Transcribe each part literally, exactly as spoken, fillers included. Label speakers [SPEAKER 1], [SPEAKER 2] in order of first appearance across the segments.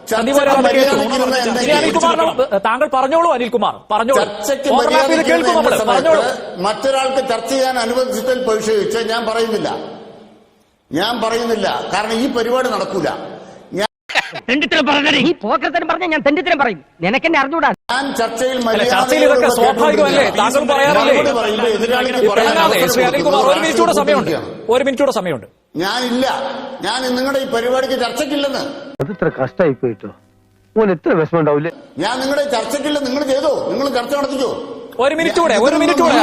[SPEAKER 1] താങ്കൾ പറഞ്ഞോളൂ അനിൽകുമാർ, പറഞ്ഞോളൂ.
[SPEAKER 2] മറ്റൊരാൾക്ക് ചർച്ച ചെയ്യാൻ അനുവദിച്ചതിൽ പരിശോധിച്ച് ഞാൻ പറയുന്നില്ല ഞാൻ പറയുന്നില്ല കാരണം ഈ പരിപാടി നടക്കൂല.
[SPEAKER 3] ഞാൻ ചർച്ചയിൽ
[SPEAKER 1] ചർച്ചയിലൊക്കെ സ്വാഭാവികമല്ലേ? താങ്കൾ പറയാറില്ലേ? ഒരു മിനിറ്റൂടെ സമയമുണ്ട്, ഒരു മിനിറ്റൂടെ സമയമുണ്ട്.
[SPEAKER 2] ഞാനില്ല, ഞാൻ നിങ്ങളുടെ ഈ പരിപാടിക്ക് ചർച്ചയ്ക്കില്ലെന്ന്.
[SPEAKER 4] അതിത്ര കഷ്ടമായി പോയിട്ടോ, ഓൻ എത്ര വിഷമം ഉണ്ടാവില്ലേ?
[SPEAKER 2] ഞാൻ നിങ്ങളുടെ ചർച്ചയ്ക്കില്ല, നിങ്ങൾ ചെയ്തോ, നിങ്ങൾ ചർച്ച നടത്തിക്കോ.
[SPEAKER 1] ഒരു മിനിറ്റ് കൂടെ, ഒരു മിനിറ്റ് കൂടെ.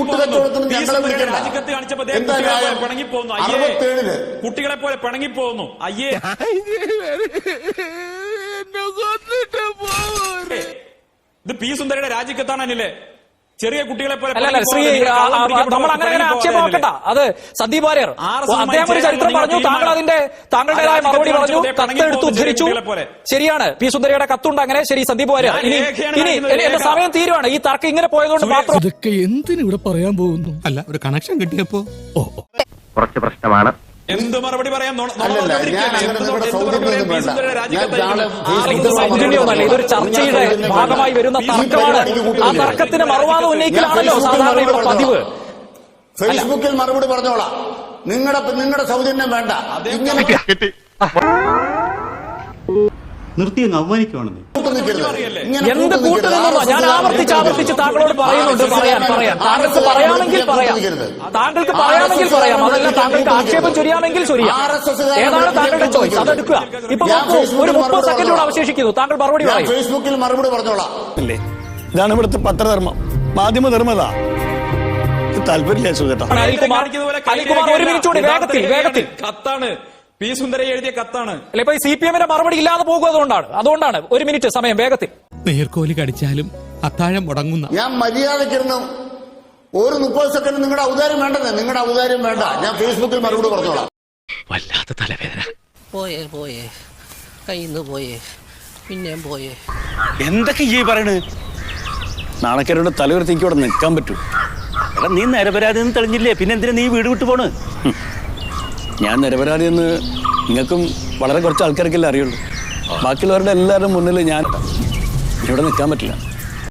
[SPEAKER 5] കുട്ടികളെ പോലെ പിണങ്ങിപ്പോകുന്നു. അയ്യേ, ഇത് പി സുന്ദരയുടെ രാജിക്കത്താണല്ലേ? ചെറിയ കുട്ടികളെ പോലെ
[SPEAKER 1] ശ്രീ, നമ്മൾ അങ്ങനെ ആക്ഷേപം നോക്കണ്ട. അത് സന്ദീപ് വാര്യർ അദ്ദേഹം ഒരു ചരിത്രം പറഞ്ഞു, താങ്കൾ അതിന്റെ താങ്കളുടേതായ മറുപടി പറഞ്ഞു, കത്തെടുത്ത് ഉദ്ധരിച്ചു. ശരിയാണ്, പി സുന്ദരയുടെ കത്തുണ്ട്. അങ്ങനെ ശരി, സന്ദീപ് വാര്യർ. ഇനി ഇനി എന്റെ സമയം തീരുവാണ്. ഈ തർക്കം ഇങ്ങനെ പോയതുകൊണ്ട് മാത്രം
[SPEAKER 6] ഇതൊക്കെ എന്തിനിവിടെ പറയാൻ പോകുന്നു? അല്ല, ഒരു കണക്ഷൻ കിട്ടിയപ്പോ ഓ
[SPEAKER 4] കുറച്ച് പ്രശ്നമാണ്.
[SPEAKER 5] എന്ത് മറുപടി പറയാം?
[SPEAKER 1] ഇതൊരു ചർച്ചയുടെ ഭാഗമായി വരുന്ന തർക്കമാണ്. ആ തർക്കത്തിന് മറുവാദം ഉന്നയിക്കലാണല്ലോ സാധാരണ ഇവിടെ പതിവ്.
[SPEAKER 2] ഫേസ്ബുക്കിൽ മറുപടി പറഞ്ഞോളാം. നിങ്ങളുടെ നിങ്ങളുടെ സൗജന്യം വേണ്ട.
[SPEAKER 7] നിർത്തി അവമാനിക്കുവാണെന്ന്
[SPEAKER 1] എന്ത് കൂട്ടുനിന്നോ ഞാൻ ആവർത്തിച്ച് ആവർത്തിച്ച് താങ്കളോട് പറയുന്നുണ്ട്. പറയാൻ പറയാൻ താങ്കൾക്ക് പറയാമെങ്കിൽ പറയാം, താങ്കൾക്ക് പറയാമെങ്കിൽ പറയാം. അതല്ല താങ്കൾക്ക് ആക്ഷേപം ചൊരിയാമെങ്കിൽ ചൊരിയാം. ഏതാണ് താങ്കളുടെ ചോയ്സ്, അതെടുക്കുക. ഇപ്പൊ ഒരു മുപ്പത് സെക്കൻഡോട് അവശേഷിക്കുന്നു. താങ്കൾ മറുപടി പറയും.
[SPEAKER 2] ഫേസ്ബുക്കിൽ മറുപടി പറഞ്ഞോളാം.
[SPEAKER 8] ഇതാണ് ഇവിടുത്തെ പത്രധർമ്മം, മാധ്യമധർമ്മതാ. താല്പര്യമില്ല സുഖേട്ടാ.
[SPEAKER 1] അനിൽകുമാർ, അനിൽകുമാർ ഒരു മിനിറ്റ് കൂടി, വേഗത്തിൽ വേഗത്തിൽ.
[SPEAKER 5] കത്താണ്, പി സുന്ദര എഴുതിയ കത്താണ്.
[SPEAKER 1] അല്ല, ഇപ്പൊ സി പി എമ്മിന്റെ മറുപടി ഇല്ലാതെ പോകും. അതുകൊണ്ടാണ് അതുകൊണ്ടാണ് ഒരു മിനിറ്റ് സമയം, വേഗത്തിൽ.
[SPEAKER 6] നേർക്കോലി കടിച്ചാലും അത്താഴം മുടങ്ങുന്ന
[SPEAKER 2] ഞാൻ മര്യാദക്കിരുന്നു. ഒരു മുപ്പത് സെക്കൻഡ് നിങ്ങളുടെ ഔദാര്യം വേണ്ടെന്ന്. നിങ്ങളുടെ ഔദാര്യം വേണ്ട. ഞാൻ ഫേസ്ബുക്കിൽ മറുപടി പറഞ്ഞോളാം.
[SPEAKER 6] വല്ലാത്ത തലവേദന.
[SPEAKER 3] പോയേ പോയേ കയ്യിന്ന് പോയേ പിന്നെയും പോയേ.
[SPEAKER 8] എന്തൊക്കെ ഈ പറയണ്? നാണക്കാരോട് തലയുയർത്തിക്ക് ഇവിടെ നിൽക്കാൻ പറ്റൂ? എടാ, നീ നിരപരാധി എന്ന് തെളിഞ്ഞില്ലേ, പിന്നെ എന്തിനാ നീ വീട് വിട്ടു പോണ്? ഞാൻ നിരപരാധി എന്ന് നിങ്ങൾക്കും വളരെ കുറച്ച് ആൾക്കാർക്കല്ലേ അറിയുള്ളൂ. ബാക്കിയുള്ളവരുടെ എല്ലാവരുടെ മുന്നിൽ ഞാൻ ഇവിടെ നിൽക്കാൻ പറ്റില്ല.